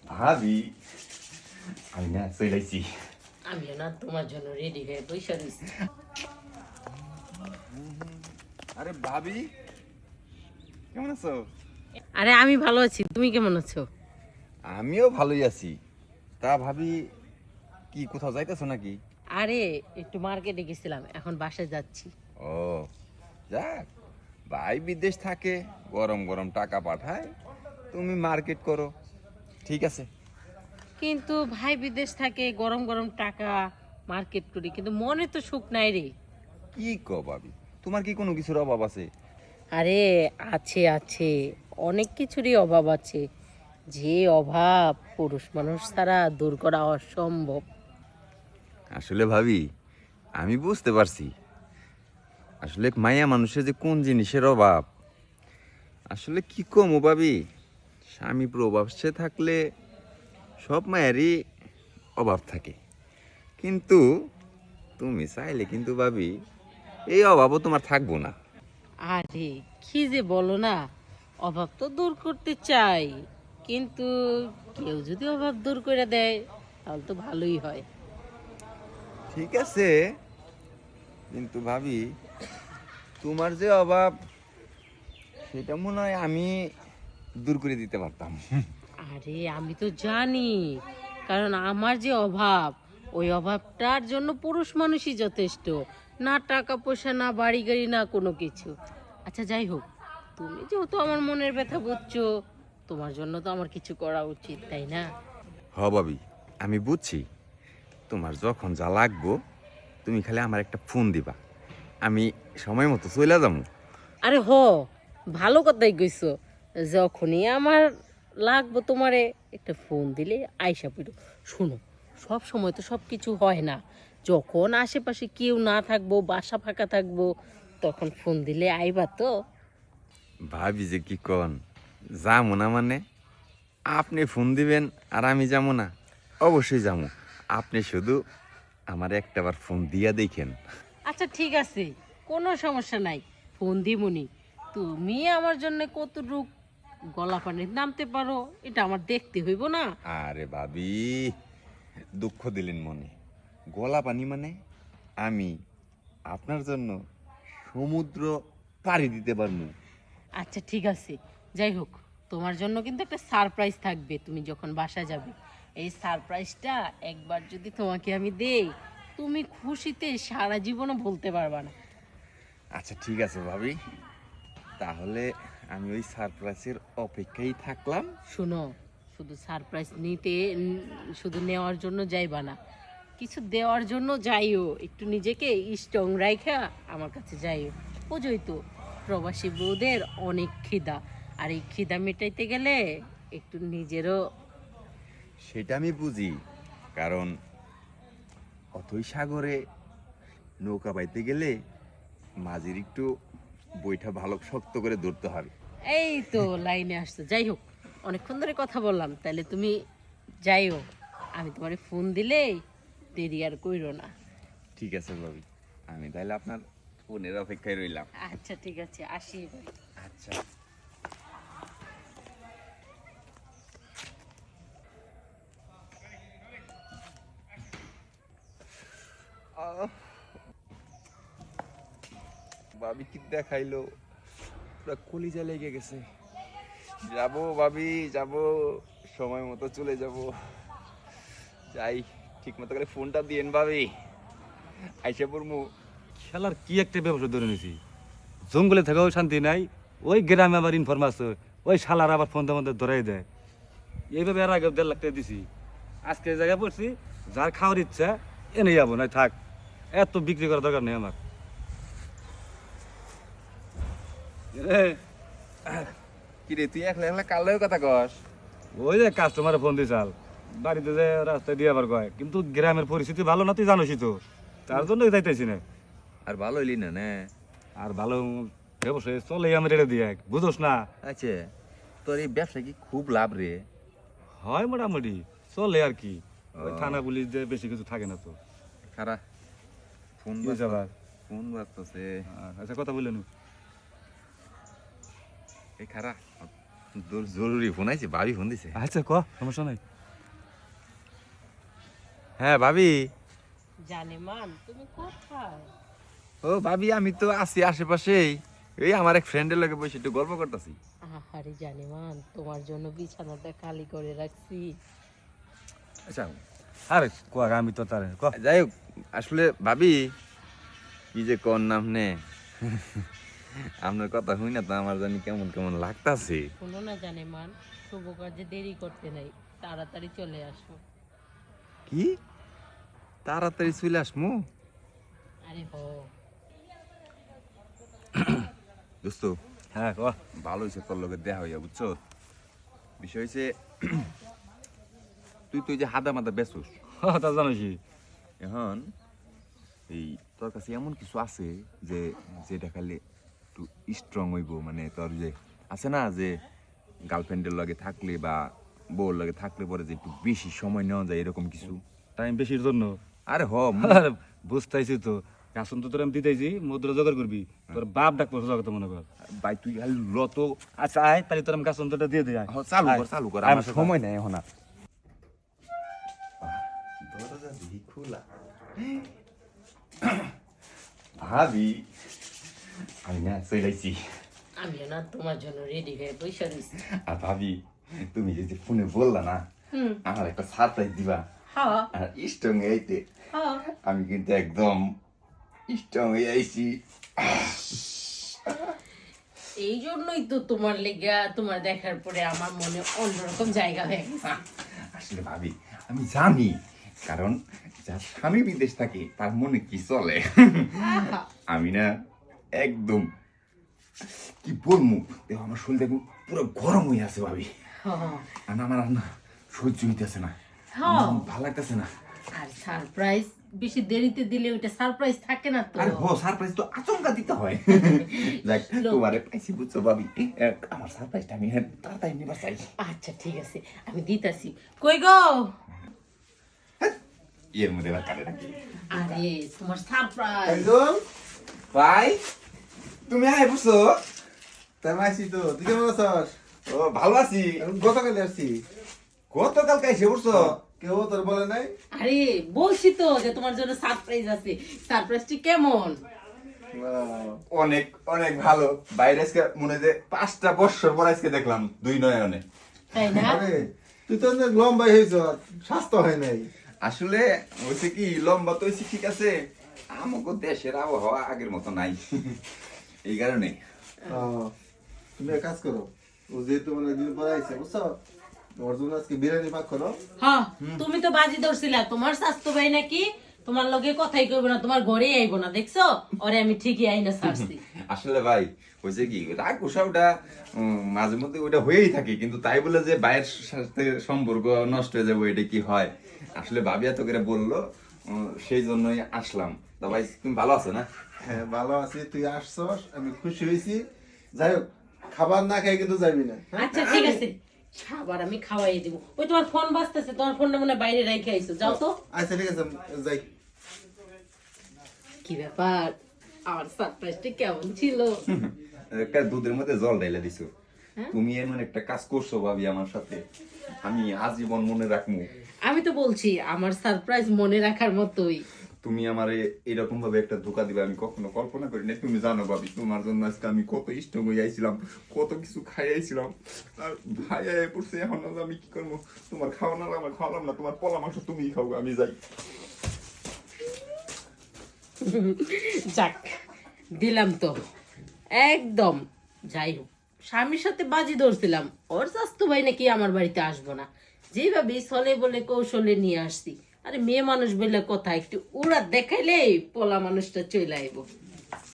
ভাবি আমি না চলেছি। আমিও না তোমার জন্য রেডি হয়ে বসে রয়েছি। আরে ভাবি কেমন আছো? আরে আমি ভালো আছি, তুমি কেমন আছো? আমিও ভালোই আছি। তা ভাবি কি কোথাও যাইতেছো নাকি? আরে একটু মার্কেটে গেছিলাম, এখন বাসায় যাচ্ছি। ও যাক, ভাই বিদেশ থাকে, গরম গরম টাকা পাঠায়, তুমি মার্কেট করো, ঠিক আছে। কিন্তু ভাই বিদেশ থাকে, গরম গরম টাকা মার্কেট করি, কিন্তু মনে তো সুখ নাই রে। কি কো ভাবি, তোমার কি কোনো কিছুর অভাব আছে? আরে আছে আছে, অনেক কিছুরই অভাব আছে, যে অভাব পুরুষ মানুষ ছাড়া দূর করা অসম্ভব। আসলে ভাবি আমি বুঝতে পারছি, আসলে মায়া মানুষের যে কোন জিনিসের অভাব। আসলে কি কম ভাবি, স্বামী প্রবাসে থাকলে সব মায়েরই অভাব থাকে, কিন্তু তুমি চাইলে কিন্তু ভাবি এই অভাবও তোমার থাকবো না। আরে কি যে বলো না, অভাব তো দূর করতে চাই, কিন্তু কেউ যদি অভাব দূর করে দেয় তাহলে তো ভালোই হয়। ঠিক আছে, কিন্তু ভাবি তোমার যে অভাব সেটা মনে হয় আমি দূর করে দিতে পারতাম। আরে আমি তো জানি, কারণ আমার যে অভাব, ওই অভাবটার জন্য পুরুষ মানুষই যথেষ্ট, না টাকা পয়সা, না বাড়ি গাড়ি, না কোনো কিছু। আচ্ছা যাই হোক, তুমি যেহেতু আমার মনের ব্যথা বুঝছো, তোমার জন্য তো আমার কিছু করা উচিত, তাই না? হ ভাবি, আমি বুঝছি, তোমার যখন যা লাগবো তুমি খালি আমার একটা ফোন দিবা, আমি সময় মতো চলে যাবো। আরে ভালো কথাই কইছো, যখনই আমার লাগবো তোমারে একটা ফোন দিলে আইসা পড়ো। শুনো, সব সময় তো সব কিছু হয় না, যখন আশেপাশে কেউ না থাকবো, বাসা ফাঁকা থাকবো, তখন ফোন দিলে আইবা তো। ভাবি যে কি কন, যাবো না মানে? আপনি ফোন দিবেন আর আমি যাবো না? অবশ্যই যাবো। আপনি শুধু আমার একটাবার ফোন দিয়া দেখেন। আচ্ছা ঠিক আছে, কোনো সমস্যা নাই, ফোন দিমুনি। তুমি আমার জন্য কতটুক গলা পানির নামতে পারো এটা আমার দেখতে হইব না? আরে ভাবি, দুঃখ দিলেন মনে। গলা পানি মানে আমি আপনার জন্য সমুদ্র পাড়ি দিতে পারবো। আচ্ছা ঠিক আছে, যাই হোক, তোমার জন্য কিন্তু একটা সারপ্রাইজ থাকবে তুমি যখন বাসা যাবে। এই সারপ্রাইজটা একবার যদি তোমাকে আমি দেই, তুমি খুশিতে সারা জীবনও বলতে পারবা না। আচ্ছা ঠিক আছে ভাবি, তাহলে আমি ওই সারপ্রাইজের অপেক্ষায় থাকলাম। শোনো, শুধু সারপ্রাইজ নিতে শুধু নেওয়ার জন্য যাইবা না, কিছু দেওয়ার জন্য যাইও, একটু নিজেকে স্ট্রং রাইখা আমার কাছে যাইও। বুঝোই তো, প্রবাসী বউদের অনেক খিদা, আর এই খিদা মেটাইতে গেলে একটু নিজেরও। সেটা আমি বুঝি, কারণ অথই সাগরে নৌকা বাইতে গেলে মাঝির একটু বইটা ভালো শক্ত করে ধরতে হবে। এই তো লাইনে আসতো। যাই হোক, অনেকক্ষণ ধরে কথা বললাম, তাহলে তুমি যাইও, আমি তোমার ফোন দিলেই দেরি আর কইরো না। ঠিক আছে ভাবি, আমি তাহলে আপনার ফোনের অপেক্ষায় রইলাম। আচ্ছা ঠিক আছে, আসি এবার। আচ্ছা। ভাবি কি দেখাইলো, পুরো কলিজা লেগে গেছে। যাবো ভাবি, যাবো, সময় মতো চলে যাব। যাই, ঠিক মতো করে ফোনটা দিয়েন ভাবি, আইসা পড়মু। খেলার কি একটা ব্যবসা ধরে নিয়েছি, জঙ্গলে থেকেও শান্তি নাই, ওই গ্রামে আবার ইনফরমেশন, ওই শালার আবার ফোন মধ্যে ধরাই দেয়। এইভাবে আর আগে 1.5 লাখ টাকা দিছি, আজকে এই জায়গায় পড়ছি, যার খাওয়ার ইচ্ছা এনে যাবো, না থাক, এত বিক্রি করার দরকার নেই আমার। এ, কি রে, তুই একলা একলা কালের কথা কস? ওই যে কাস্টমারে ফোন দিছাল, বাড়িতে যে রাস্তায় দিয়ে আবার কয়, কিন্তু গ্রামের পরিস্থিতি ভালো না, তুই জানোসই তো, তার জন্য যাইতেছি না। আর ভালো হইলি না না? আর ভালো ব্যবসায় চলে আমার এটা দিয়ে, বুঝোস না? আচ্ছা, তোর এই ব্যবসা কি খুব লাভ রে? হয় মোটামুটি চলে আর কি, ওই থানা পুলিশ যে বেশি কিছু থাকে না তো। খারা, ফোন কি হয়েছে আবার? ফোন বাজতেছে। আচ্ছা কথা বললেন। এই খারা, জরুরি ফোন আইছে, ভাবি ফোন দিছে। আচ্ছা ক, সমস্যা নাই। হ্যাঁ ভাবি। জানেমান তুমি কোথায়? ও ভাবি, আমি তো আছি আশেপাশেই। এই আমার এক ফ্রেন্ডের লগে বসে একটু গল্প করতেছি। আরে জানেমান, তোমার জন্য বিছানাটা খালি করে রাখছি। আচ্ছা আরে কোয়া আমি তো তার যাই হোক, আসলে ভাবি কি যে কোন নাম নে আপনার কথা শুই না তো আমার জানি কেমন কেমন লাগতাছে। শোনো না জানেমান, শুভ কাজে দেরি করতে নাই, তাড়াতাড়ি চলে আসো। কি তাড়াতাড়ি চলে আসমু? আরে হো, দোস্ত হ্যাঁ কোয়া ভালো হয়েছে তোর লগে দেখা হইয়া, বুঝছো? বিষয় হয়েছে তুই তো এই যে হাদা মাদা বেসুস তা জানোসি এখন, এই তোর কাছে এমন কিছু আছে যে যেটা খালি একটু স্ট্রং হইব, মানে তোর যে আছে না যে গার্লফ্রেন্ডের লগে থাকলে বা বউর লগে থাকলে পরে যে একটু বেশি সময় নেওয়া যায় এরকম কিছু। টাইম বেশির জন্য আরে আরে বুঝতেছি তো, কাসন তো তোর আমি দিতেছি, মুদ্রা জোগাড় করবি, তোর বাপ ডাক পড়ছে জগত মনে কর। ভাই তুই খালি লত। আচ্ছা আয় তাহলে তোর আমি কাসন তোটা দিয়ে দিই আয়। চালু আয়। কর চালু কর, আয় আমার আমার সাথে। সময় নেই এখন আর। দরজা দেখি খোলা। ভাবি আমি না চলেছি। আমিও না তোমার জন্য রেডি হয়ে বসে রয়েছি। আর ভাবি তুমি যদি ফোনে বললা না হুম, আমার একটা সারপ্রাইজ দিবা, হ্যাঁ আর স্ট্রং এইতে হ্যাঁ। আমি কিন্তু একদম স্ট্রং হয়ে আইছি। এই জন্যই তো তোমার লেগা, তোমার দেখার পরে আমার মনে অন্যরকম জায়গা হয়ে গেছে। আসলে ভাবি আমি জানি, কারণ যার স্বামী বিদেশ থাকে তার মনে কি চলে। আহা, আমি না একদম কি বলবো, দেখো আমার শরীর দেখো পুরো গরম হয়ে আছে ভাবি। হ্যাঁ, আর আমার আর না সহ্য হইতেছে না, হ্যাঁ। আমার ভালো লাগতেছে না। আর সারপ্রাইজ বেশি দেরিতে দিলে ওইটা সারপ্রাইজ থাকে না তো। আরে হো, সারপ্রাইজ তো আচমকা দিতে হয়। দেখ তোমারে পাইছি, বুঝছো ভাবি, আমার সারপ্রাইজটা আমি তাড়াতাড়ি নিবার চাই। আচ্ছা ঠিক আছে, আমি দিতাছি। কই গো? এর মধ্যে এবার কাটে রাখি। আরে তোমার সারপ্রাইজ। একদম ভাই তুমি আয় বুঝছো? তাই মাসি তো তুই কেমন আছিস? ও ভালো আছি। এখন গতকালে আসছি। গতকালকে এসে বুঝছো? কেউ তোর বলে নাই? আরে বলছি তো যে তোমার জন্য সারপ্রাইজ আছে। সারপ্রাইজটি কেমন? অনেক অনেক ভালো। বাইরে আজকে মনে হয় যে 5টা বছর পর আজকে দেখলাম দুই নয়নে। তাই না? আরে তুই তো অনেক লম্বাই হয়েছ, স্বাস্থ্য হয় নাই। আসলে হয়েছে কি, লম্বা তো হয়েছে ঠিক আছে, আমাকে দেশের আবহাওয়া আগের মতো নাই। এই কারণে তুমি এক কাজ করো, ও যেহেতু মানে দিন পরে আইছে বুঝছো, ওর জন্য আজকে বিরিয়ানি পাক করো। হ্যাঁ, তুমি তো বাজি ধরছিলা তোমার স্বাস্থ্য ভাই নাকি তোমার লগে কথাই কইব না, তোমার ঘরেই আইব না, দেখছো? ওরে আমি ঠিকই আইনা ছাড়ছি। আসলে ভাই হয়েছে কি, রাগ উষাটা মাঝে মধ্যে ওইটা হয়েই থাকে, কিন্তু তাই বলে যে ভাইয়ের সাথে সম্পর্ক নষ্ট হয়ে যাবে এটা কি হয়? আসলে ভাবি এত করে বললো, সেই জন্যই আসলাম। তা ভাই তুমি ভালো আছো না? হ্যাঁ ভালো আছি, তুই আসছস, আমি খুশি হয়েছি। যাই হোক, খাবার না খাই কিন্তু যাবি না। আচ্ছা ঠিক আছে, খাবার আমি খাওয়াই দিব। ওই তোমার ফোন বাজতেছে, তোমার ফোনটা মনে হয় বাইরে রেখে আইছো, যাও তো। আচ্ছা ঠিক আছে, যাই। কি ব্যাপার, আমার সারপ্রাইজটা কেমন ছিল? একটা দুধের মধ্যে জল ঢেলে দিছো। তুমি এমন একটা কাজ করছো ভাবি আমার সাথে, আমি আজীবন মনে রাখবো। আমি তো বলছি আমার সারপ্রাইজ মনে রাখার মতোই। তুমি আমারে এরকম ভাবে একটা ধোকা দিবে আমি কখনো কল্পনা করি না। তুমি জানো ভাবি, তোমার জন্য আজকে আমি কত স্ট্রং হয়ে আইছিলাম, কত কিছু খাই আইছিলাম, আর ভাই আয় পড়ছে। এখন আমি কি করবো? তোমার খাওয়ানো আমার খাওয়ালাম না, তোমার পলা মাংস তুমি খাও, আমি যাই। যাক, দিলাম তো একদম। যাই হোক, স্বামীর সাথে বাজি ধরছিলাম, ওর স্বাস্থ্য ভাই নাকি আমার বাড়িতে আসবো না, যেভাবে ছলে বলে কৌশলে নিয়ে আসছি। আরে মেয়ে মানুষ বলে কথা, একটু উড়া দেখাইলে পোলা মানুষটা চলে আইব।